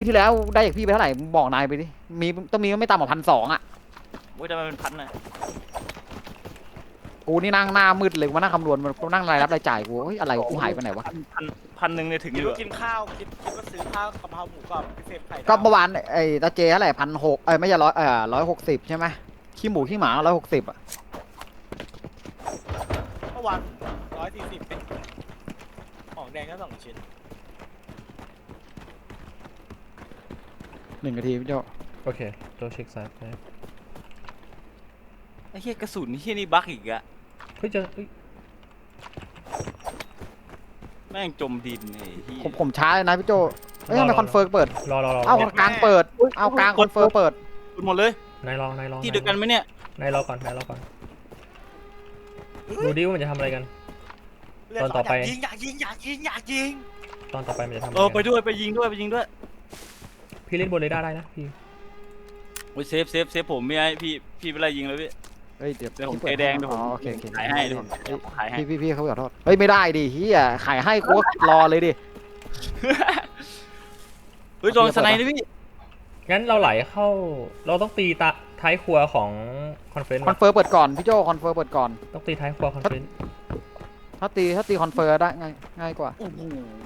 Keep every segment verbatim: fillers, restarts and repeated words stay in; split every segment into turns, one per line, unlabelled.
ที่แล้วได้จากพี่ไปเท่าไหร่บอกนายไปดิมีต้องมีไม่ต่ำกว่าพันสองอ่ะ
โอ้ยทำไมเป็นพันน่ะ
กูนี่นั่งหน้ามืดเลยมานั่งคำนวณมันนั่งรายรับรายจ่ายกูเฮ้ยอะไรกูหายไปไหนวะ
พันพันพันหนึ่งเนี่ยถึงอ
คิด
ยู่
ว่ากินข้าวคิดคิดว่าซื้อข้าวกะเพราหมูกรอบพิเศษไข่ดาว
ก็เมื่อวานไอ้ตาเจเท่าไหร่พันหกเอ้ยไม่ใช่ร้อยเออร้อยหกสิบใช่ไหมขี้หมูขี้หมาร้อยหกสิบอ่ะ
เมื่อวานร้อยสี่สิบเป็นของแดงก็สองชิ้น
หนึ่งนาทีพี่โจ
โอเคตัวเช็คซ้ายไป
ไอ้เหี้ยกระสุนเหี้ยนี่บั๊กอีกอะ
เฮ้ยเจอเฮ้ย
แม่งจมดินไอ้เหี้ย
ผมผมช้าเลยนะพี่โจเอ้ยทำไมคอนเฟิร์มเปิด
รอรอรอ
เอ้ากลางเปิดเอ้ากลางคอนเฟิร์มเปิด
หมดเลย
นายรอนายรอ
ที่เดียวกันไหมเนี่ย
นายรอก่อนนายรอก่อนดูดิว่ามันจะทำอะไรกัน
เลือด
ตอนต่อไป
อยากยิงอยากยิงอยากยิงอยากยิง
ตอนต่อไปมันจะทำอะไร
เออไป
กัน
ด้วยไปยิงด้วยไปยิงด้วย
พี่เล่นบนเรดาร์ได้นะพี่
โอ้ยเซฟเซฟเซฟผมไม่ให้พี่พี่ไปไล่ยิงเลยพี่
เฮ้ยเดี๋ยว
เดี๋ยวผม
พี่ปิ
เทแดงเดี๋ยวผม
อ๋อโอเคโอเค
ขายให้เดี๋ยวผมขายให้
พี่พี่พี่เขาขอโทษเฮ้ยไม่ได้ดิเฮียขายให้กูก็รอเลยดิ
เฮ้ยโดนสไนด์ด้วยพี่
งั้นเราไหลเข้าเราต้องตีตาท้ายครัวของคอนเฟนต์
คอนเฟิร์มเปิดก่อนพี่โจคอนเฟิร์มเปิดก่อน
ต้องตีท้ายครัวคอนเฟนต์
ถ้าตีถ้าตีคอนเฟิร์มได้ง่ายง่ายกว่า
โอ้โห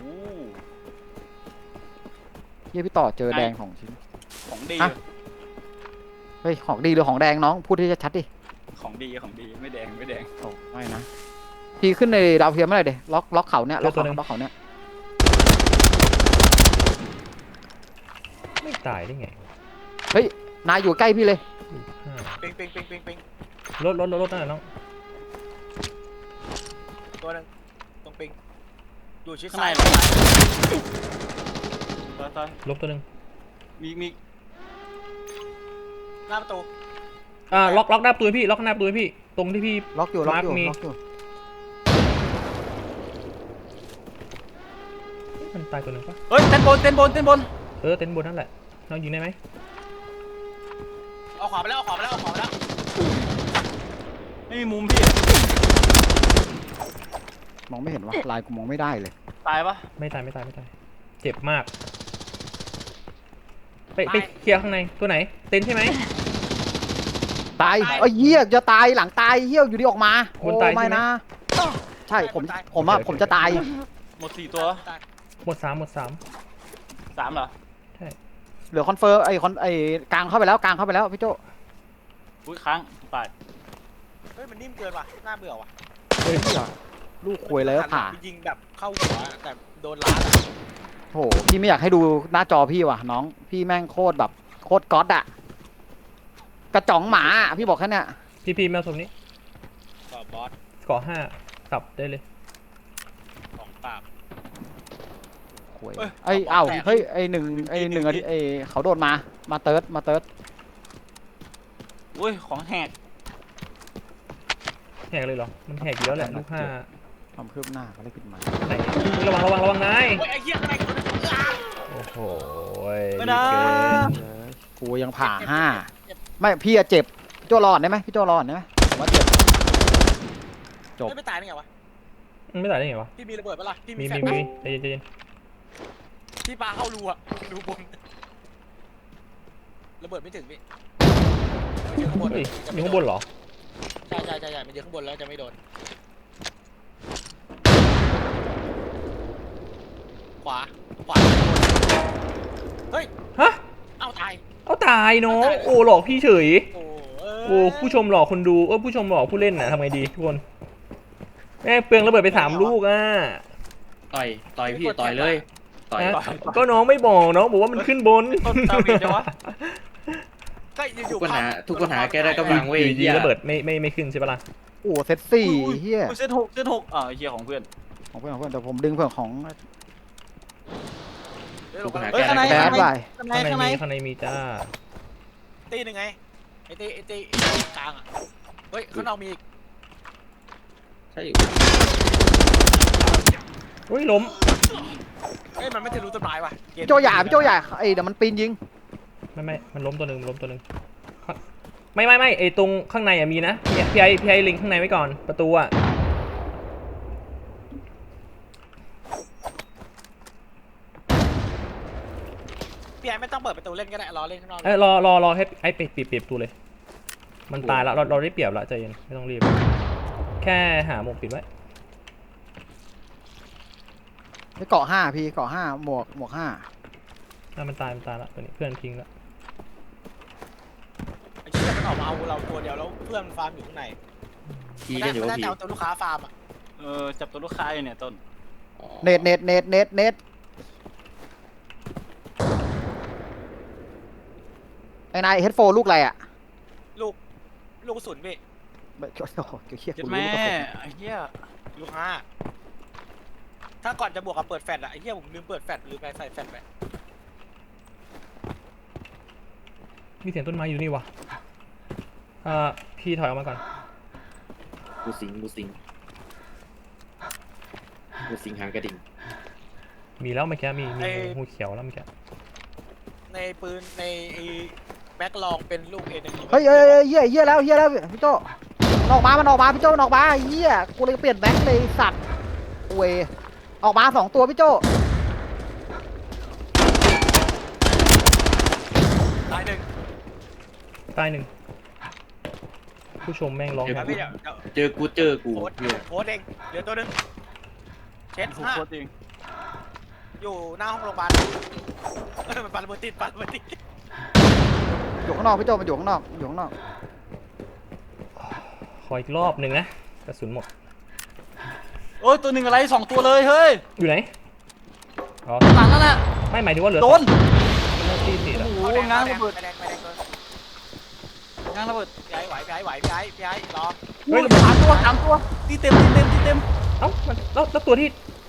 เฮียพี่ต่อเจอแดงของชิ้น
ของดี
ฮะ เฮ้ยของดีหรือของแดงน้องพูดที่ชัดๆดิ
ของดีของดีไม่แดงไม่แดง
โอ้ไม่นะพี่ขึ้นในดาวเทียมเมื่อไหร่เดยล็อกล็อกเขาเนี่ยล็อกเขาล็อกเขาเนี่ย
ไม่ตายได้ไง
นายอยู่ใกล้พี่เลย
ห้า
ปิงปิงปิงปิงปิง
รถรถรถรถนั่นแหละน้อง
ตัวหนึงตรงปิงอยู่ชิด
ข้างใน
ซ้าย
เหรอตายตาย
ลบตัวหนึ่ง
มีมี
หน้าประตู
อ่าล็อกล็อกหน้าประตูให้พี่ล็อกหน้าประตูให้พี่ตรงที่พี่
ล็อกอยู่ล็อกอยู่
มาร์คมี
ล็อกอยู่
มันตายตัวหนึ่งปะ
เฮ้ยเต้นบนเต้นบนเต้นบน
เออเต็นท์บนนั่นแหละน้องยิงได้ไหม
เอาขวาไปแล้วเอาขวาไปแล้วเอาขวาไปแล้ว
ไม่มีมุมพี่
มองไม่เห็นวะลายกูมองไม่ได้เลย
ตายปะ
ไม่ตายไม่ตายไม่ตายเจ็บมากไปไปเคลียร์ข้างในตัวไหนเต็นท์ใช่ไหม
ตายเอ้ยเหี้ยจะตายหลังตายเหี้ยอยู่ดีออกมา
ค
โอ้
นตายใช่
ไม่
ไหม
นะใช่ผมผมอะผมจะตาย
หมดสี่ตัว
ตาย
หมดสามหมดสาม
สามเหรอ
ใช่
เหลือคอนเฟิร์มไอ้คอนไอ้กลางเข้าไปแล้วกลางเข้าไปแล้วพี่โจ
อุ้ยค้างตาย
เฮ้ยมันนิ่มเกินว่ะน่าเบื่อว่ะ
เฮ้ยลูกควยเลยผ่า
ยิงแบบเข้าหัวแต่โดนล้านอะ
โหพี่ไม่อยากให้ดูหน้าจอพี่ว่ะน้องพี่แม่งโคตรแบบโคตรก๊อตอะกระจ๋องหมาอะพี่บอกแค่เนี้ย
พี่พีแมวสมนี้
ต่อบอส
เกาะห้าสับได้เลย
ของปาก
ควย
เอ้ย
ไอ้
ขอ
เอ้า
แตก
เฮ้ยไอ้หนึ่งไอ้หนึ่งอาทิตย์ไอ้เขาโดนมามาเติร์ดมาเติร์ด
อุ้ยของแหก
แหกเลยเหรอมันแหกอยู่แล้วแหละลูกห้า
ความคืบหน้าเขาได้ขึ้นมา
ไหนระวังระวังระวังนาย
โอ้ยไอ้เหี้ยอะไรกัน
โอ้โห
ไม่นะ
กูยังผ่าห้าไม่พี่อะเจ็บพี่โจรอดได้ไหมพี่โจรอดได้ไหมผมว่าเจ็บ จบ
ไม่ตายได้ไงวะ
มันไม่ตายได้ไงวะ
พี่มีระเบิดปะล่ะพี่
มี
มีแฟ
มี
ลช
มีใจเย็นใจเย็น
พี่ปาเข้ารูอะรูบนระเบิดไม่ถึงพี่มันอยู่ข้างบน
เฮ้ย
จะ
อ
ไม่
ยู่
โด
ข้างบนเหรอ
ใช่ใช่ใช่ใช่มันอยู่ข้างบนแล้วจะไม่โดนขวาขวาเฮ้ย
ฮะ
เอ้าตาย
เอาตายเนาะโอ้หลอกพี่เฉย
โอ้เอ้ย
โอ้ผู้ชมหลอกคนดูเออผู้ชมหลอกผู้เล่นน่ะทำไงดีทุกคนแม่งเปลืองระเบิดไปสามลูกอ่ะ
ต่อยต่อยพี่ต่อยเลยต่อย
นะก็น้องไม่บอกน้องบอกว่ามันขึ้นบน
ต้นตาบีจังวะ
ก็อ
ทุ
ยู่
ก
ๆ
ปัญหา
ภพ
ทุกปัญหาแกได้กำลังเว้ย
อยู่ดี
เหี้ย
ระเบิดไม่ไม่ไม่ขึ้นใช่ปะล่ะ
โอ้เซตสี่
อุ้ย
เฮีย
อุ้ยเซตหกเซตหกอ่าไอ้เหี้ยของเพื่อน
ของเพื่อนของเพื่อนแต่ผมดึงเพื่อนของ
เดี๋ยว
ทุ
เรา
กปัญหา
เฮ้ย
แก
ข้างใน
ได้
แบ
กำลั
ด
ง
ไป
ข้างใน
ข้างใน
ข้างใน
มีข้างในมีจ้า
ตีหนึ่งไงไอ้ตีไอ้ตีไอ้ตีกลางอ่ะเฮ้ยข้างนอกมีอีก
ใช่
อุ้ยล้ม
เฮ้ยมันไม่ทะลุต้นไม้ว่ะเกม
พี่โจหย่าพี่โจหย่าไอ้เดี๋ยวมันปีนยิง
ไม่ไม่มันล้มตัวหนึ่งมันล้มตัวหนึ่งไม่ไม่ไม่ไอตรงข้างในอะมีนะพี่พี่ไอพี่ไอลิงข้างในไว้ก่อนประตูอะ
พี่ไอ้ไม่ต้องเปิดประตูเล่นก็ได้รอเล่นข้างนอก
เอ้ยรอรอรอให้ไอ้ปิดปิดปิดประตูเลย มันตายแล้วเราเราได้เปรียบแล้วใจเย็นไม่ต้องรีบ แค่หาหมวกปิดไว้
ไปเกาะห้าพี่เกาะห้าหมวกหมวกห้า
อ่ะมันตายมันตายแล้วตัวนี้เพื่อนทิ้งแล้ว
ไอ้เชี่ยมันออกมาเอาเราตัวเดียวแล้วเพื่อนมันฟาร์มอยู่ข้างใน
พี
ไม่
กั
ได้
นอยู่
ไม่
ว่า
ได้
พี
จะเอาตัวลูกค้าฟาร์มอ่ะ
เออจับตัวลูกค้าอยู่เนี่ยต้น
อ๋อ
เน็ตเน็ตเน็ตเน็ตเน็ตไอ้นายเฮดโฟลูกอะไรอ่ะ
ลูกลูกกระสุนพี่
ไม่โอ้โหเชี่ย
เจ็ด
กูรู้
แม่
ก็เป็น
ไอ้เหี้ย
ลูกห้าถ้าก่อนจะบวกกับเปิดแฟลชอะไอ้เหี้ยผมลืมเปิดแฟลชลืมไปใส่แฟลชไป
มีเสียงต้นไม้อยู่นี่วะอ่าพี่ถอยออกมาก่อน
บูสิงบูสิงบูสิงหางกระดิ่ง
มีแล้วเมื่อกี้มีมีหูเขียวแล้วเมื่อกี้
ในปืนในไอ้แบ็คลองเป็นลูกเอหนึ่ง
เฮ้ยเฮ้ยเฮ้ยเฮียเฮียแล้วเฮียแล้วพี่โจมันออกมามันออกมาพี่โจมันออกมาเฮียกูเลยเปลี่ยนแบงค์เลยสัตว์เวยออกมาสองตัวพี่โจ
ตายหนึ่ง
ใต้หนึ่งผู้ชมแม่งร้อง
แล้วพี่เดี๋ยวเดี๋ยว
เจอกูเจอกู
โค้ด
อยู่
โค้ดเองเดี๋ยวตัวหนึงเช็ด
ถูก
ห้า
โคตรจริง
อยู่หน้าห้องโรงพยาบาลเออมันปาระเบิดติดปาระเบิดติด
อยู่ข้างนอกพี่โจมันอยู่ข้างนอกอยู่ข้างนอก
ขออีกรอบหนึ่งนะกระสุนหมด
โอ้ยตัวหนึ่งอะไรสองตัวเลยเฮ้ย
อยู่ไหนอ๋อ
หลังนั่นแหละ
ไม่หมายถึงว่าเหลือ
โดน
เลือดตีสี่แล้ว
โอ้โห
แดง
ง้าง
แด
ระ
ง
เบิด
แดงแดงตัว
ง้างระเบิด
พี่ไอ้ไหวพี่ไอ้ไหวพี่ไอ้พี่ไอ้รอ
เฮ้ยสามตัวสามตัวตีเต็มตีเต็มตีเต็ม
เอ้ามันแล้วแล้วตัวที่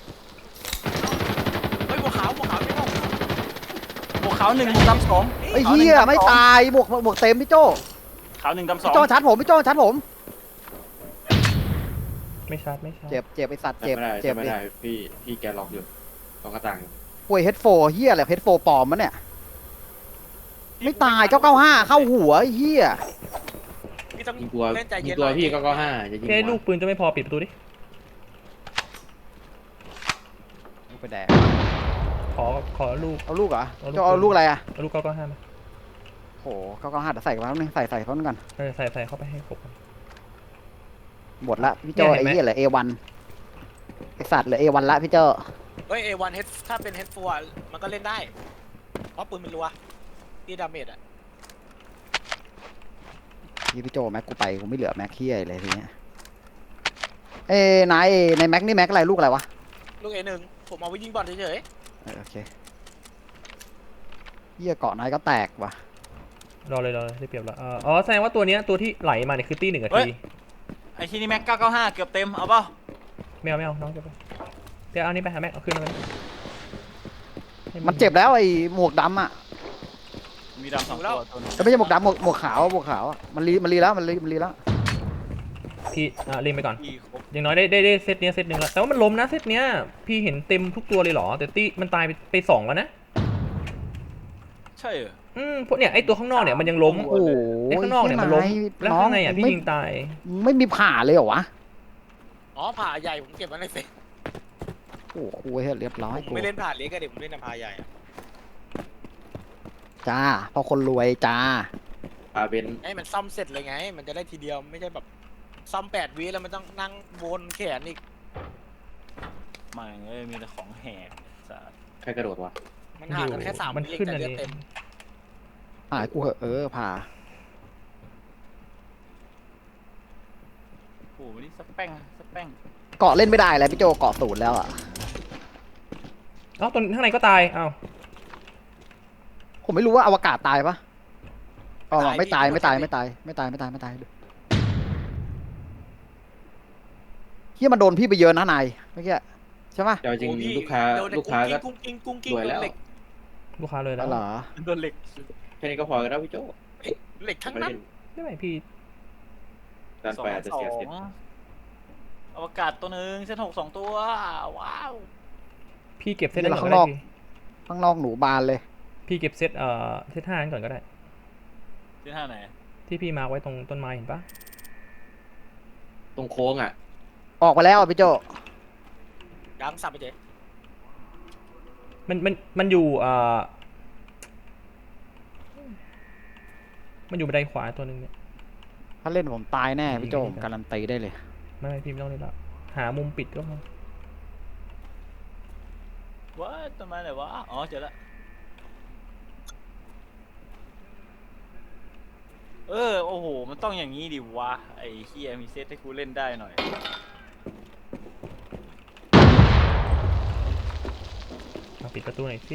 เฮ้ยบัวขาวบัวขาวไม่ต้อง
หมวกขาวหนึ่งหมวกดำสอง
ไอ้เฮียไม่ตายบวกบวกเต็มพี่โจ
ขาวหนึ่งดำสอ
พี่
ง
โจชัดผมพี่โจชัดผม
ไม่ชาร์จไม่ชาร์จ
เจ็บเจ็บไอสัตว์
จำ
เจ็บ
ไม่ได้
เจ็บ
จำไม่
ดิ
ได้พี่พี่แกล็อกอยู่ล็อกกระตัง
ป่วยเฮดโฟเฮียอะไรเฮดโฟปลอมมันเนี่ยไม่ตายเก้าเก้าห้าเข้าหัวไอ้เฮีย
พี่ต้อง
ยิงตัว
เล่นใจ
ยิ
เย็
ง
น
ตัว
หน่อย
พี่ก็ก็ห้าจะยิง
พี่ไอ้
หัว
ลูกปืนจะไม่พอปิดประตูดิ
ไปแดก
ขอขอลูก
เอาลูกเหรอ
เอาลูก
จะเอาลูกอะไรอ่ะ
เอาลูกเก้าเก้าห้ามา
โหเก้าเก้าห้าเดี๋ยวใส่กันมาแป๊บนึงใส่ใส่พร้อมกัน
เออใส่ใส่เข้าไปให้ครบก่อน
หมดละพี่โจ
เนี่ยเห็นไหม
ไอ้เฮียเหลือเอวันไอสัตว์เหลือเอวันละพี่โจ
เฮ้ยเอวันเฮดถ้าเป็นเฮดฟัวมันก็เล่นได้เพราะปืนมันรัวที่ดาเมจอะ
พี่พี่โจแม็กกูไปกูไม่เหลือแม็กเฮียเลยทีเนี้ยเอ้นายในแม็กนี่แม็กอะไรลูกอะไรวะ
ลูกเอหนึ่งผมเอาไว้ยิงบอลเฉย
เออโอเคเฮียเกาะนายก็แตกว่ะ
รอเลยรอเลยได้เปรียบแล้วเอ่ออ๋อแสดงว่าตัวเนี้ยตัวที่ไหลมาเนี่ยคือตีหนึ่งนาที
ไอ้ที่นี่แม็กเก้าเก้าห้าเกือบเต็มเอาเปล่า
ไม่เอาไม่เอาน้องจะไปเดี๋ยวเอานี่ไปหาแม็กเอาขึ้นมาเลยให้
มันเจ็บแล้วไอ้หมวกดำอ่ะ
มีดำสองตัวตัวนึง
แต่ไม่ใช่หมวกดำหมวกหมวกขาวหมวกขาวอะมันรีมันรีแล้วมันรีมันรีแล้ว
พี่อ่ะเล่นไปก่อน
พี่ครบ
อย่างน้อยได้ได้ได้เซตเนี้ยเซตหนึ่งแล้วแต่ว่ามันล้มนะเซตเนี้ยพี่เห็นเต็มทุกตัวเลยเหรอแต่ตีมันตายไปไปสองแล้วนะ
ใช่เหรอ
อืมพวกเนี่ยไอตัวข้างนอกเนี่ยมันยังล้ม
โอ้โห
ไอข้างนอกเนี่ยมันล้มแล้วข้างในอ่ะพี่
ไม่
ยิงตาย
ไม่มีผ่าเลยเหรอวะ
ๆอ๋อผ่าใหญ่ผมเก็บไว้ในเฟซ
โอ้โหกูเฮ้ยเรียบร้อย
ผม
กู
ไม่เล่นผ่าเล็กก็เดี๋ยวผมเล่นนำพาใหญ่อะ
จ้าเพอคนรวยจ้า
อาเบน
ให้มันซ่อมเสร็จเลยไง มันจะได้ทีเดียวไม่ใช่แบบซ่อมแปดวิแล้วมันต้องนั่งวนแขนอีก
ไม่เอ้ยมีแต่ของแหกสัส
ใครกระโดดวะ
มันห่างกันแค่สาม
มัน
วิเอง
ขึ้น
แต่
อัน
เลือด
นี้
เต็ม
หายกูเหอะเออผ่า
โอ้โหนี่สักแป้งสักแป้ง
เกาะเล่นไม่ได้แล้วพี่โจเกาะศูนย์แล้วอ่ะ
เอ้าตัวข้างในก็ตายเอ้า
ผมไม่รู้ว่าอวกาศตายปะอ๋อไม่ตายไม่ตายไม่ตายไม่ตายไม่ตายไม่ตายเฮียมันโดนพี่ไปเยอะนะนายเมื่อกี้ใช่ปะ
แต่จริง
โอ้พี่
ลูกค้า
โดนใน
ลูกค้าก็
กุ้งกิ้งกุ้งกิ้ง
รวย
กุ้ง
แล้ว
เหล็ก
ลูกค้าเลยแล้
แล้ว วเหรอ
โดนเหล็ก
แค่นี้ก็พอแล้วพี่โจ
เหล็กทั้ง
ไม่
นั้น
เล่น
ไม่ไหวพี่
ดัน
สอง
ไปอาจจะ
สอ
เสียเสร็จ
งอวกาศตัวหนึ่งเส้นหกสองตัวว้าว
พี่เก็บเซต
เดี๋
นั้
ยวน
ก่
เรา
อน
ข้างนอกข้าง
ก็ได้พี่
นอกหนูบานเลย
พี่เก็บเซตเอ่อเซตห้านั้นก่อนก็ได้
ที่ท่าไหน
ที่พี่มาร์คไว้ตรงต้นไม้เห็นปะ
ตรงโค้งอ่ะ
ออกไปแล้วอะพี่โจ
ดังสับไปเจ๊
มันมันมันอยู่เอ่อมันอยู่บันไดขวาตัวหนึ่งเนี่ย
ถ้าเล่นผมตายแน่พี่โจ
ยิง
ผม
ไม่ได้
การันตีได้เลย
ไม่ไม่พี่ไม่ต้องเล่นแล้วหามุมปิดก็พอ
ว้าต้นไม้ไหนวะอ๋อเจอละเออโอ้โหมันต้องอย่างนี้ดิวะไอ้เฮียมีเซตให้กูเล่นได้หน่อย
มาปิดประตูหน่อยสิ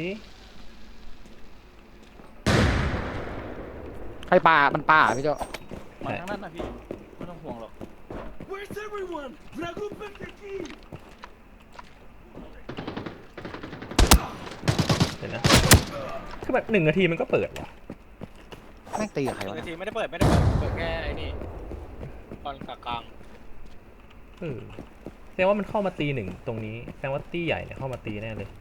ใครป่ามันป่าพี่โจ
มาทางนั้นนะพี่ไม่ต้องห่วงหรอก
Where's everyone? Drago Penteki!
เดี๋ยวนะคือแบบหนึ่งนาทีมันก็เปิดว่ะ
แม่งตีกับใคร
หนึ่ง
วะ
นาที
เนี่ย
ไม่ได้เปิดไม่ได้เปิดเปิดแค่ไอ้นี่ตอนกลาง
เออแสดงว่ามันเข้ามาตีหนึ่งตรงนี้แสดงว่าตีใหญ่เนี่ยเข้ามาตีแน่เลย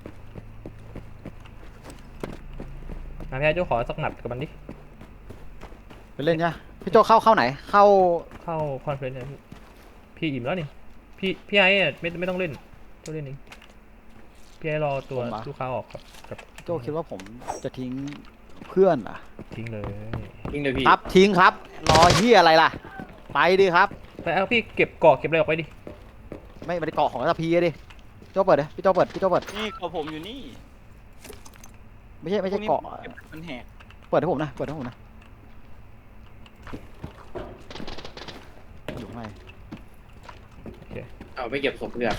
มาพี่ไอ้โจ้ขอสักหมัดกับมันดิ
ไปเล่นเนี่ยพี่โจเข้าเข้าไหน เข้า
เข้าคอนเฟรนซ์เนี่ยพี่พี่อิ่มแล้วนี่พี่พี่ไอ้อะไม่ไม่ต้องเล่นโจ้เล่นเองพี่ไอ้รอตัวลูกค้าออกกับกับ
พี่โจคิดว่าผมจะทิ้งเพื่อนเหรอ่ะ
ทิ้งเลย
ยิงเลยพี่
ครับทิ้งครับ รอเฮียอะไรล่ะ ไปดิครับ
ไปเอาพี่เก็บเกาะเก็บอะไรออกไปดิ
ไม่ไม่ได้เกาะของตะพีดิพี่โจเปิดดิพี่โจเปิดพี่โจเปิด
นี่กับผมอยู่นี่
ไม่ใช่ไม่ใช่
พวนี้
เกาะ
มันแหก
เปิดให้ผมนะเปิดให้ผมนะอยู่ข้างใน
เอาไปเก็บศพเพื่อน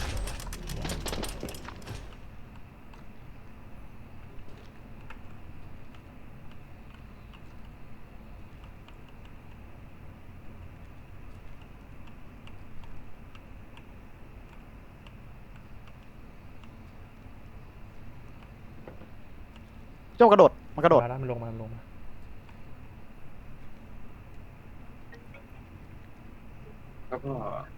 พี่โจกระโดดมันกระโดด
มาแล้วมันลงมามันลงมา
แล้วก็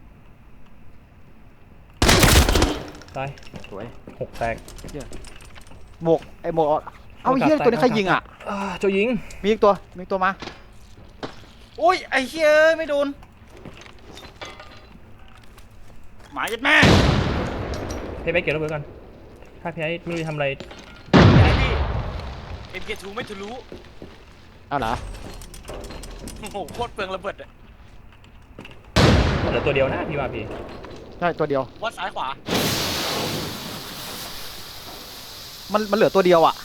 ตาย
สวย
หกแตก
หมวกไอ้หมวกเอาเฮียตัวนี้ใครยิงอ่ะ
อ่าโจยิง
มีอีกตัวมีอีกตัวมา
โอ้ยไอ้เฮียเอ้ยไม่โดนหมายัดแม่
พี่ไปเก็บระเบิดก่อนถ้าพี่ไอ้ไม่รู้จะทำอะไร
ๆไอ้พี่ เอ็ม เค ทู ไม่ทะลุ
เอาเหรอ
โอ้โหโคตรเปลืองระเบิดอะ
เหลือตัวเดียวนะพี่ว่าพี่
ใช่ตัวเดียว
วัดซ้ายขวา
มันมันเหลือตัวเดียวอ่ะ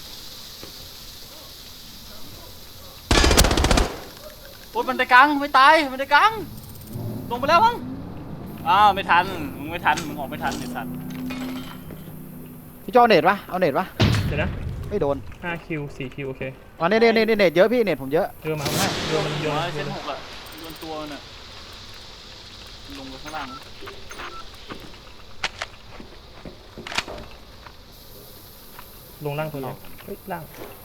โอ้ยมันได้กลางไม่ตายมันได้กลางลงไปแล้วมั้งอ้าวไม่ทันมึงไม่ทันมึงออกไม่ทันไอ้สัตว์
พี่โจเอาเน็ตปะเอาเน็ตปะ
เดี๋ยวนะ
ไม่โดน
ห้าคิวสี่คิวโอเค
อ๋อเน็ตเน็ตเน็ตเน็ตเยอะพี่เน็ตผมเยอะ
เรือมาเอามาเรือมันโย
หั
น
วเส้นหกอะโดนตัวมันอะลงไปข้างล่าง
ลงล่างตัวเดียวเฮ้ยล่าง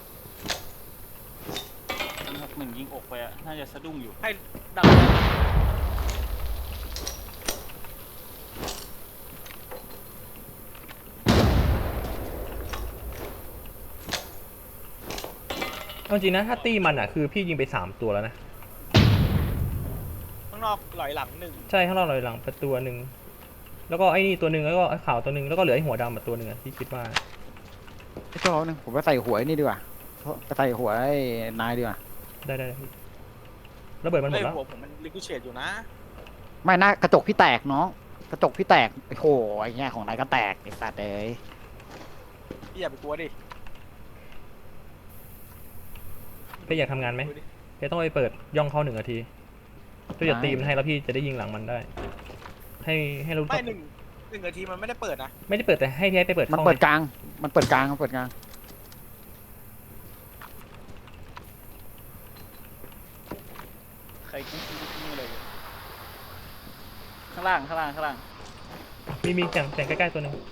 หกหนึ่งยิงอกไปอะน่าจะสะดุ้งอยู่
ให้ดัง
เอาจริงนะถ้าตีมันอ่ะคือพี่ยิงไปสามตัวแล้วนะ
ข้างนอกหลอยหลังหนึ่ง
ใช่ข้างนอกลอยหลังประตูหนึ่งแล้วก็ไอ้นี่ตัวหนึ่งแล้วก็ไอ้ขาวตัวหนึ่งแล้วก็เหลือไอ้หัวดำอ่ะตัวหนึ่งอ่ะที่คิดว่า
พี่โจเอาหนึ่งผมไปใส่หัวไอ้นี่ดีกว่าไปใส่หัวไอ้นายดีกว่า
ได้ได้ได้พี่ระเบิดมันหม
เฮ้
ด
ย
แล้ว
หัวผมมันลิคูเชตอยู่นะ
ไม่น่ากระจกพี่แตกน้องกระจกพี่แตกโอ้โหไอ้เงี้ยของนายก็แตกไอ้สัตว์เอ้ย
พี่อย่าไปกลัวดิ
พี่อยากทำงานไหมพี่ต้องไปเปิดย่องเข้าหนึ่งนาทีพี่จะตีมันให้แล้วพี่จะได้ยิงหลังมันได้ ให้ให้รู้
ไม่หนึ่งหนึ่งนาทีมันไม่ได้เปิดนะ
ไม่ได้เปิดแต่ให้พี่ให้ไปเปิด
มัน
เข้า
เปิด
ไง
กลางมันเปิดกลางมันเปิดกลาง
ใครกิ้งกิ้งกิ้งอะไรอยู่ข้างล่างข้างล่างข้างล่าง
มีมีแสงแสงใกล้ๆตัวหนึ่ง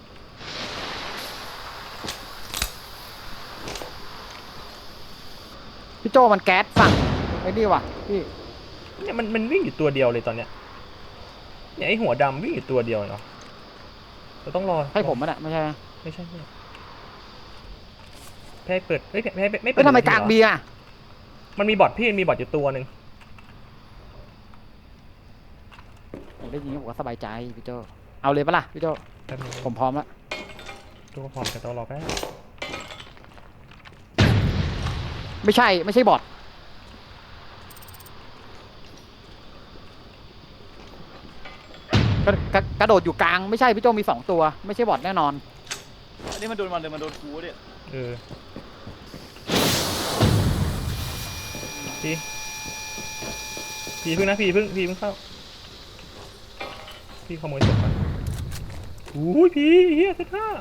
พี่โจมันแก๊สฝั่งไอ้นี่ว่ะพี่
เนี่ยมันมันวิ่งอยู่ตัวเดียวเลยตอนเนี้ยเนี่ยไอ้หัวดำวิ่งอยู่ตัวเดียวเนาะเราต้องรอ
ให้ผมมันอ่ะไม่ใช่ไหม
ไม่ใช่ไม่แพ้เปิดเฮ้ยแพ้แพ้ไม่
เฮ้
เปิ
ย
ด
ทำไม
หนึ่
กลาง
ทีเหรอ
บีอ่ะ
มันมีบอทพี่มันมีบอทอยู่ตัวหนึ่ง
ผมได้ยินผมก็สบายใจพี่โจเอาเลยปะล่ะพี่โจ
แป๊บนึง
ผมพร้อมแล้ว
ตัวพร้อมแต่ต้องรอแป๊บ
ไม่ใช่ไม่ใช่บอทกระกระกระโดดอยู่กลางไม่ใช่พี่โจมีสองตัวไม่ใช่บอทแน่นอน
อันนี้มันโดนมันเลยมันโดนกูเนี่ย
เออพี่พี่พึ่งนะพี่พึ่งพี่พึ่งเข้าพี่ขโมยศพมาอุ้ยพี่เฮียเซตห้า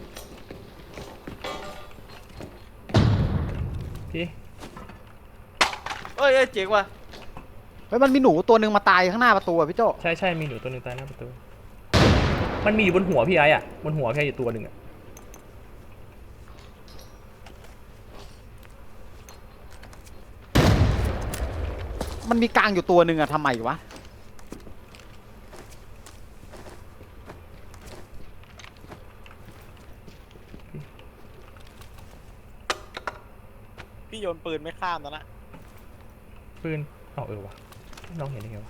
พี่
เอ้ยเอ้ยเจ๋งว่ะ
เฮ้ยมันมีหนูตัวหนึ่งมาตายข้างหน้าประตูอะพี่โจ
ใช่ใช่มีหนูตัวหนึ่งตายหน้าประตูมันมีอยู่บนหัวพี่ไอ้อะบนหัวพี่ไอ้อยู่ตัวหนึ่งอะ
มันมีกลางอยู่ตัวหนึ่งอะทำไมวะ
พี่โยนปืนไม่ข้ามแล้วนะ
ปืนเอาเออวะน้องเห็นได้ไงวะ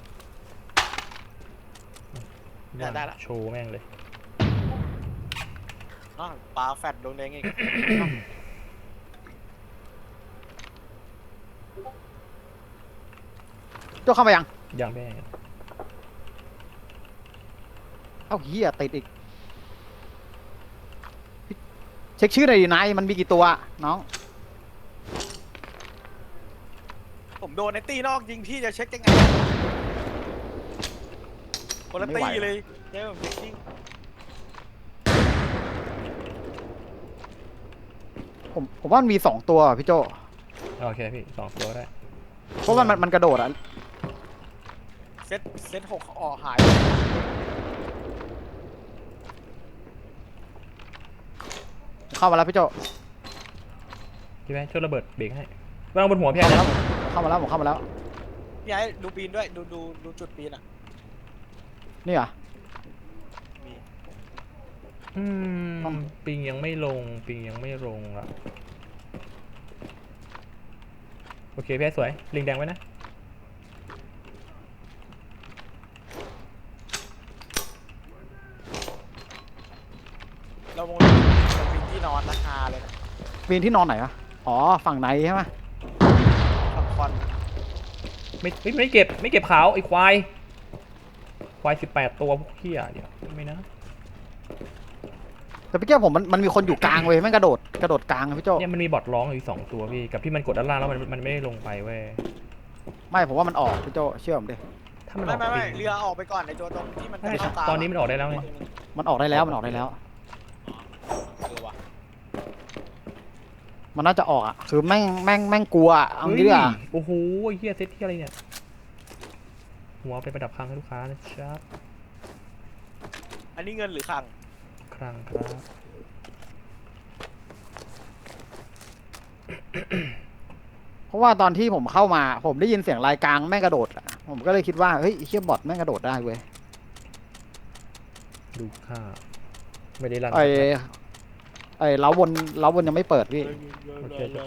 ได้ได้ละ
โชว์แม่งเลย
อ้าวปลาแฟดดวงแดงอีก
โจเข้ามายัง
อย่างแม่ง
เอ้าเฮียติดอีกเช็คชื่อหน่อยดินายมันมีกี่ตัวน้อง
ผมโดนไอ้ตีนอกยิงพี่จะเช็คยังไงคนละตีเลยเจ๊ผมเช็คจริง
ผมผมว่ามันมีสองตัวอะพี่โจ
โอเคพี่สองตัวได้
เพราะว่ามันมันกระโดดอะ
เซตเซตหกออกหาย
เข้ามาแล้วพี่โจ
พี่แม่ช่วยระเบิดเบรกให้วางบนหัวพี่ไอ้
เข้ามาแล้วผมเข้ามาแล้ว
พี่ไอ้ดูปีนด้วยดูดูดูจุดปีนอ่ะ
นี่เหรอ
มี
อืมปิงยังไม่ลงปิงยังไม่ลงอ่ะโอเคพี่ไอ้สวยลิงแดงไว้นะ
เราลงเราปีนที่นอนราคาเลยนะ
ปีนที่นอนไหนวะอ๋อฝั่งไหนใช่ไหม
ฝั่งคอน
ไม่ไม่ไม่เก็บไม่เก็บขาวไอ้ควายควายสิบแปดตัวพวกเหี้ยเดี๋ยวไม่นะ
แต่พี่เจ้าผมมันมันมีคนอยู่กลางเว้ยแม่งกระโดดกระโดดกลางอะพี่โจ
เนี่ยมันมีบอทร้องอยู่สองตัวพี่กับที่มันกดด้านล่างแล้วมันมันไม่ได้ลงไปเว้ย
ไม่ผมว่ามันออกพี่โจเชื่อผมดิ
ถ้ามันอ
ไม่
อก
ไม่ไม่
ปิง
เรือออกไปก่อนไอ้ตัวตรงที่มัน
ใช่
เข้าตา
ตอนนี้มันออกได้แล้วไง
มันออกได้แล้วมันออกได้แล้ว
เออว่ะ
มันน่าจะออกอ่ะคือแม่งแม่งแม่งกลัวอะเอางี้ดีกว่า
โอ้โหไอ้เหี้ยเซตที่อะไรเนี่ยหัวไปประดับคลังให้ลูกค้านะครับ
อันนี้เงินหรือคลัง
คลังครับ
เพราะว่าตอนที่ผมเข้ามาผมได้ยินเสียงรายกลางแม่งกระโดดอะผมก็เลยคิดว่าเฮ้ยไอ้เชี่ยบอทแม่งกระโดดได้เว้ย
ดูค่าไม่ได้รัน
ไอ้ไอ้เล้าบนเล้าบนยังไม่เปิดพี่
โอเคจบ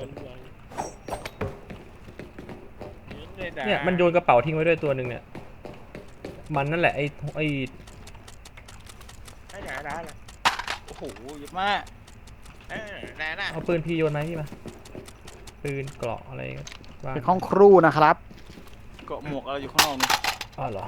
เนี่ยมันโยนกระเป๋าทิ้งไว้ด้วยตัวหนึ่งเนี่ยมันนั่นแหละไอ้ไอ้
ได้ได้ได้เลย
โอ้โหเยอะมาก
เออได้น่ะ
เอาปืนพี่โยนไหมาพี่มาปืนเกราะอะไรก็บ้าง
เป็นห้องครูนะครับ
เกาะหมวกอะไรอยู่ข้างนอกนี่
อ๋อเหรอ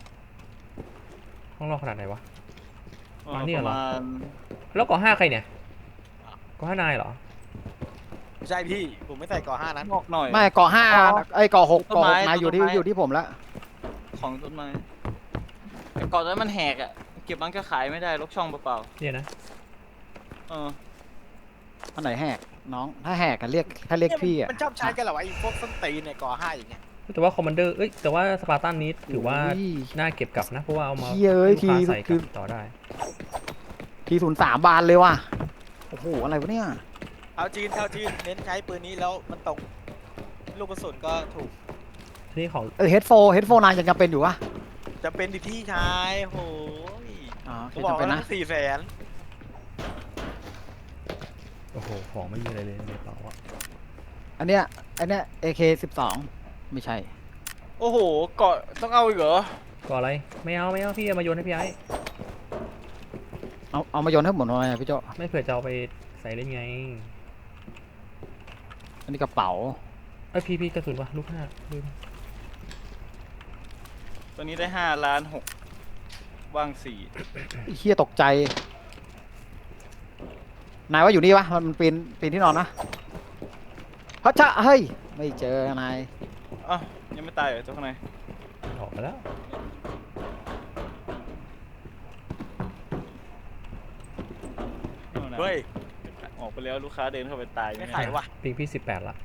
ห้องนอกขนาดไหนวะ
เออ
มาเนี่ย
ประ
เหรอ
มาณ
แล้วเกาะห้าใครเนี่ยเกาะห้านายเหรอ
ไม่ใช่พี่ผมไม่ใส่ก่อห้านั้น
งอกหน่อย
ไม่ก่อห้าไอ้ยก่อหก
ต้น
ก่อห
ไม้
กนายอยู่ที่
ต้นไม้
อยู่ที่ผมแล้ว
ของต้นไม้แต่เกาะนั้นมันแหกอ่ะเก็บมันก็ขายไม่ได้ลกช่องเปล่า
เนี่ยนะ
ๆเออ
อันไหนแหกน้องถ้าแหกกันเรียกถ้าเรียกพี่อ่ะ
มันชอบใช้กันเหรอวะไอ้พวกส้นตีนเนี่ยก่อห้าอย่างเงี้ย
แต่ว่าคอมมานเดอร์เอ้ยแต่ว่าสปาร์ตันนี้ถือว่า
อุ้ย
น่าเก็บกลับนะเพราะว่าเอามา
เหี้ยเอ้ย
ให้ลูกค้า
ที
ใส่ก
คื
ลั
อ
บต่อได้
ทีศูนย์สามบานเลยว่ะโอ้โหอะไรวะเนี่ย
เอาจีนเอาจีนเน้นใช้ปืนนี้แล้วมันตกลูกกระสุนก็ถูก
ทีนี้ของ
เออเฮดโฟเฮดโฟนายยังจำเป็นอยู่วะ
จะเป็นดิที่ชายโหย
อ๋อโอเค
เขาบอก
จำเป็น
ว่า
นะ
สี่แสน
โอ้โหของไม่มีอะไรเลยในกระเป๋าอะ
อันเนี้ยอันเนี้ย เอ เค สิบสองไม่ใช่
โอ้โหเกาะต้องเอาอีกเหรอ
ก่ออะไรไม่เอาไม่เอาพี่เอามาโยนให้พี่ไอ้
เอาเอามาโยนให้ผมหน่อยพี่โจ
ไม่เผื่อจะเอาไปใส่เล่นไง
อันนี้กระเป๋า
เอ้ยพี่พี่กระสุนวะลูกห้าลืม
ตัวนี้ได้ห้าล้านหกว่างสี่
ไอ้เฮียตกใจนายว่าอยู่นี่ปะมันปีนปีนที่นอนนะพระเจ้าเฮ้ยไม่เจอนาย
อ้าวยังไม่ตายเหรอตัวข้างใน
ออกไปแล้ว
นู่นน่ะ
เฮ้ย
ออกไปแล้วลูกค้าเดินเข้าไปตาย
ไม่
ไง
ขายวะ
ปิงพี่สิบแปดละ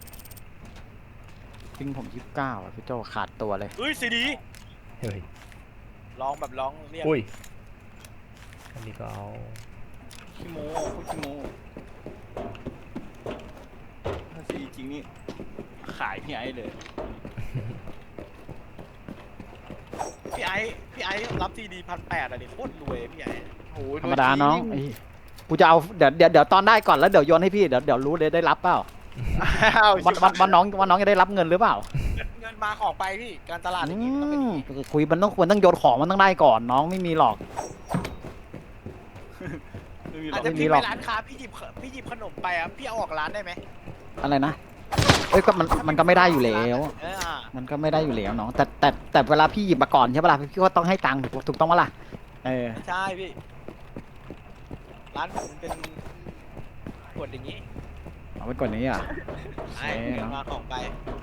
ปิงผมยี่สิบเก้าอ่ะพี่โจขาดตัวเลย
เฮ้ยซีดี
เฮ้ย
ร้องแบบร้องเรียก
อุ้ยอันนี้ก็เอา
ขี้โม้พูดขี้โม้ถ้าซีจริงนี่ขายพี่ไอ้เลย
พี่ไอ้พี่ไอ้รับซีดีพันแปดอะดิโคตรรวยพี่ไอ้
โอ้ย
ธรรมดาน้องไอ้กูจะเอาเดี๋ยวเดี๋ยวเดี๋ยวตอนได้ก่อนแล้วเดี๋ยวโยนให้พี่เดี๋ยวเดี๋ยวรู้เลยได้รับเปล่า
อ้าว
วันวันวันน้องวันน้องจะได้รับเงินหรือเปล่า
เงินมาของไปพี่การตลาดอย่าง
อื
งี้มันต้องเป็นอ
ม
ย่างงี้
คุยมันต้องควรต้องโยนของมันต้องได้ก่อนน้องไม่มีหรอก
ไม่มีหร
อา
อ
จ
ก
จะ
ไม่มี
พี่
หร
ไป
อก
ร้านค้าพี่หยิบพี่หยิบขนมไปอ่ะพี่เอาออกร้านได้ไหม
อะไรนะเอ้ยก็มันมันก็ไม่ได้อยู่แล้ว
เอออ่ะ
มันก็ไม่ได้อยู่แล้วน้องแต่แต่แต่เวลาพี่หยิบมาก่อนใช่ปะล่ะพี่ก็ต้องให้ตังค์ถูกถูกต้องปะล่ะเออ
ไม่ใช่พี่ ร้านผมมันเป็นกฎอย่างนี้
เอาไปก่อนนี้อ่ะ
ไอ้
โอเค
เงินมาของไป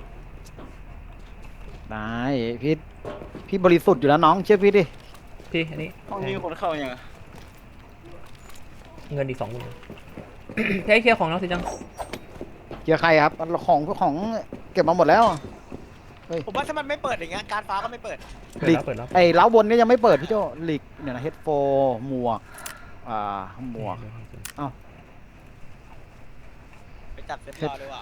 ได้พี่พี่บริสุทธิ์อยู่แล้วน้องเชื่อพี่ดิ
พี่อันนี้
ห้องนี้มีคนเข้ายังอะ
เงินอีกสองหมื่น พี่ให้เคลียร์ของน้องสิจัง
เกียร์ใครครับของของเก็บมาหมดแล้ว
ผมว่าถ้ามันไม่เปิดอย่างเงี้ยการฟ้าก็ไม่เปิด
เปิดแล้วเปิดแล้ว
ไอ้เล้าบนนี่ยังไม่เปิดพี่โจลิกเนี่ยนะเฮดโฟหมวกอ่าหมวก
ไปจัดเซ็ตรอเลยว่ะ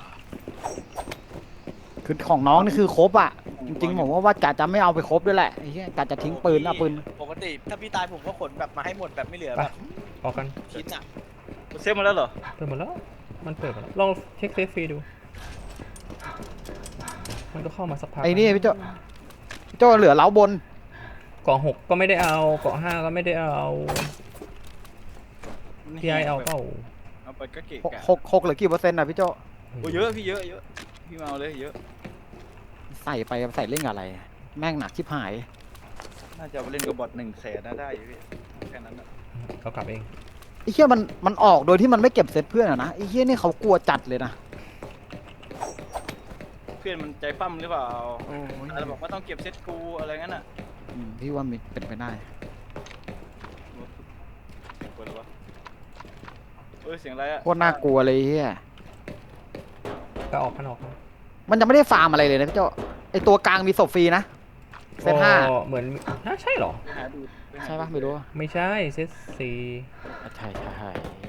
คือของน้องนี่คือครบอ่ะจริงๆผมว่าว่ากะจะไม่เอาไปครบด้วยแหละไอ้เหี้ยกะจะทิ้งปืนเอาปืน
ปกติถ้าพี่ตายผมก็ขนแบบมาให้หมดแบบไม่เหลือ
ไป
แบบ
ออกกัน
ชิ้นอ่ะ
เซฟมาแล้วเหรอ
เปิดหมดแล้ว มันเปิดหมดแล้ว ลองเช็คเซฟฟรีดู มันก็เข้ามาสักพัก
ไอ้นี่พี่โจพี่โจเหลือเล้าบน
เกาะหกก็ไม่ได้เอา เกาะห้าก็ไม่ได้เอาพี่ไอเอาเปล่า
เอาไปก็เกะ
หก
กะ
หกหกเหลือกี่เปอร์เซ็นต์นะพี่โจ
โอ้เยอะพี่เยอะเยอะพี่มาเอาเลยเยอะ
ใส่ไปใส่เล่นกับอะไร แม่งหนักชิบหาย
น่าจะเอาไปเล่นกับบอทหนึ่งแสนน่าได้อยู่พี่แค่นั้นนะ
เขากลับเอง
ไอ้เหี้ยมันมันออกโดยที่มันไม่เก็บเซตเพื่อนอะนะไอ้เหี้ยนี่เขากลัวจัดเลยนะ
เพื่อนมันใจปั้มหรือเปล่า
โอ้ย
อะไรบอกว่าต้องเก็บเซตกูอะไรงั้นอ่ะ
อืมพี่ว่ามีเป็นไปได้
เสียงคนหรือวะเอ้ยเสียงอะไรอ่ะ
โคตรน่ากลัวเลยไอ้เหี้ย
ก็ออกกันออกกัน
มันยังไม่ได้ฟาร์มอะไรเลยนะพี่โจไอตัวกลางมีศพฟรีนะเซตห้า
ก็เหมือนฮะใช่เหรอ
ไปหาดูไปหาดู
ใช่ปะไม่รู้อะ
ไม่ใช่เซตสี่
ใช่ใช่ใช่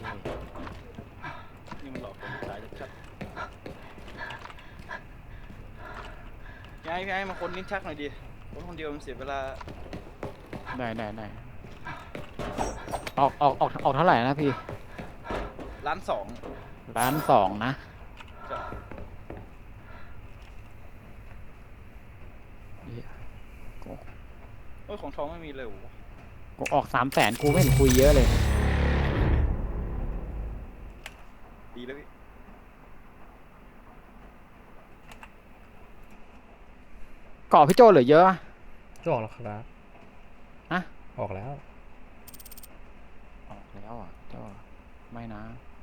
นี่มันหลอกคนขายชัดๆพี่ไอ้พี่ไอ้มาคนลิ้นชักหน่อยดิคนคนเดียวมันเสียเวลา
ได้ได้ได้ออกออกออกออกเท่าไหร่นะพี่
ล้านสอง
ล้านสองนะ
จะ เอ้ยของทองไม่มีเลยเหรอวะ
กูออกสามแสนกูไม่เห็นคุยเยอะเลย
ดีแล้วพี่
เกาะพี่โจเหลือเยอะปะ
ก็ออกแล้วครับ
ฮะ
ออกแล้ว
ออกแล้วอ่ะโจไม่นะ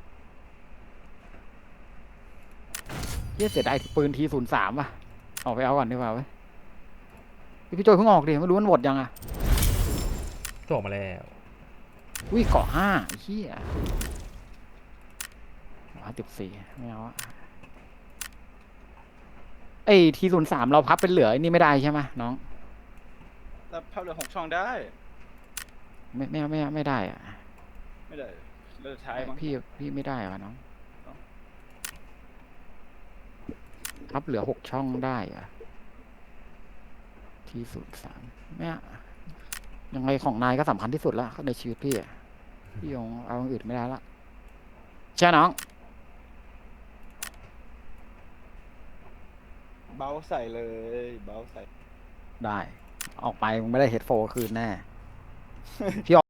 เหี้ยเสียดายปืนทีศูนย์สามอ่ะออกไปเอาก่อนดีกว่าเว้ยพี่โจเพิ่งออกดิไม่รู้มันหมดยังอ่ะ
ก็ออกมาแล้ว
อุ้ยเกาะห้าไอ้เหี้ยห้าสิบสี่ไม่เอาอะไอ้ทีศูนย์สามเราพับเป็นเหลือไอ้นี่ไม่ได้ใช่ไหมน้อง
แล้วภาพเหลือหกช่องได้
ไม่ไม่ไม่ไม่ได้อะ
ไม่ได้เลือกท้ายมั้ง
พี่พี่ไม่ได้วะน้อง
เอ้า
พับเหลือหกช่องได้อะทีศูนย์สามไม่อะยังไงของนายก็สำคัญที่สุดละในชีวิตพี่อะพี่ยงเอาอย่างอื่นไม่ได้ละใช่น้อง
เบาใส่เลยเบาใส่
ได้ ออกไปมึงไม่ได้เฮดโฟคืนแน่ พี่